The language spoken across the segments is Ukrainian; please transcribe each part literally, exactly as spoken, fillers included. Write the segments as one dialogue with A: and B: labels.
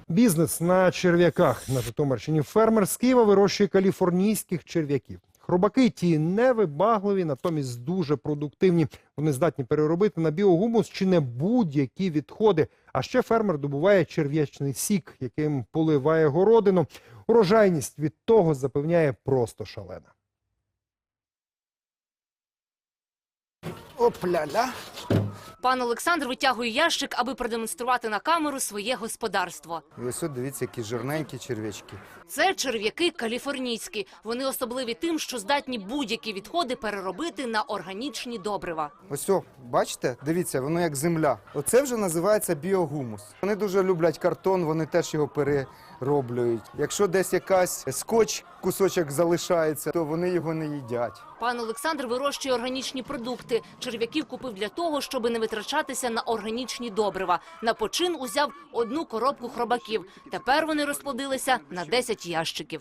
A: Бізнес на черв'яках на Житомирщині. Фермер з Києва вирощує каліфорнійських черв'яків. Хробаки ті невибагливі, натомість дуже продуктивні. Вони здатні переробити на біогумус чи не будь-які відходи. А ще фермер добуває черв'ячний сік, яким поливає городину. Урожайність від того, запевняє, просто шалена.
B: Опля-ля.
C: Пан Олександр витягує ящик, аби продемонструвати на камеру своє господарство.
B: І ось от дивіться, які жирненькі черв'ячки.
C: Це черв'яки каліфорнійські. Вони особливі тим, що здатні будь-які відходи переробити на органічні добрива.
B: Ось, о, бачите? Дивіться, воно як земля. Оце вже називається біогумус. Вони дуже люблять картон, вони теж його перероблюють. Якщо десь якась скотч, кусочок залишається, то вони його не їдять.
C: Пан Олександр вирощує органічні продукти. Черв'яків купив для того, щоб не витрачатися на органічні добрива. На почин узяв одну коробку хробаків. Тепер вони розплодилися на десять ящиків.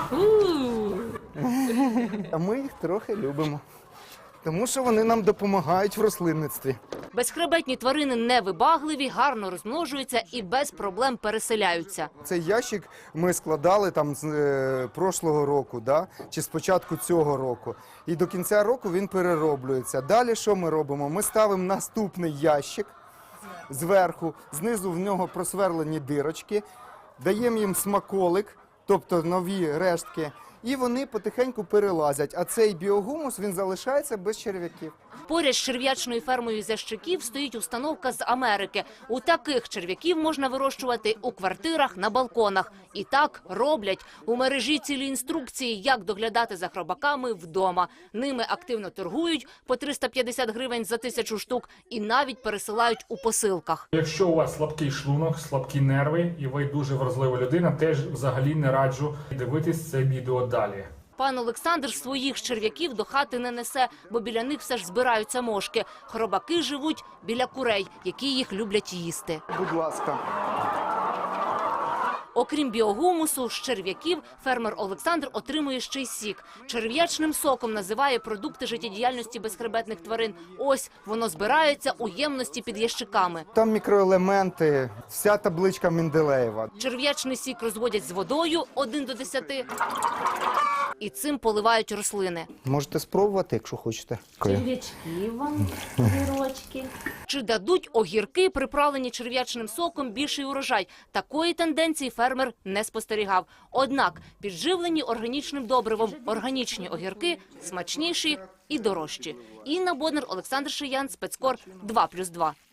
B: А ми їх трохи любимо, тому що вони нам допомагають в рослинництві.
C: Безхребетні тварини невибагливі, гарно розмножуються і без проблем переселяються.
B: Цей ящик ми складали там з е, прошлого року, да? Чи з початку цього року. І до кінця року він перероблюється. Далі що ми робимо? Ми ставимо наступний ящик зверху, знизу в нього просверлені дирочки, даємо їм смаколик, тобто нові рештки, і вони потихеньку перелазять. А цей біогумус, він залишається без черв'яків.
C: Поряд з черв'ячною фермою Зящиків стоїть установка з Америки. У таких черв'яків можна вирощувати у квартирах, на балконах. І так роблять. У мережі цілі інструкції, як доглядати за хробаками вдома. Ними активно торгують по триста п'ятдесят гривень за тисячу штук і навіть пересилають у посилках.
D: Якщо у вас слабкий шлунок, слабкі нерви і ви дуже вразлива людина, теж взагалі не раджу дивитись це відео далі.
C: Пан Олександр своїх черв'яків до хати не несе, бо біля них все ж збираються мошки. Хробаки живуть біля курей, які їх люблять їсти.
B: Будь ласка.
C: Окрім біогумусу, з черв'яків фермер Олександр отримує ще й сік. Черв'ячним соком називає продукти життєдіяльності безхребетних тварин. Ось воно збирається у ємності під ящиками.
B: Там мікроелементи, вся табличка Менделеєва.
C: Черв'ячний сік розводять з водою один до десяти і цим поливають рослини.
B: Можете спробувати, якщо хочете.
E: Черв'ячки вам, огірочки.
C: Чи дадуть огірки, приправлені черв'ячним соком, більший урожай? Такої тенденції фермер не спостерігав. Однак підживлені органічним добривом органічні огірки смачніші і дорожчі. Інна Боднар, Олександр Шиян, Спецкор, два плюс два.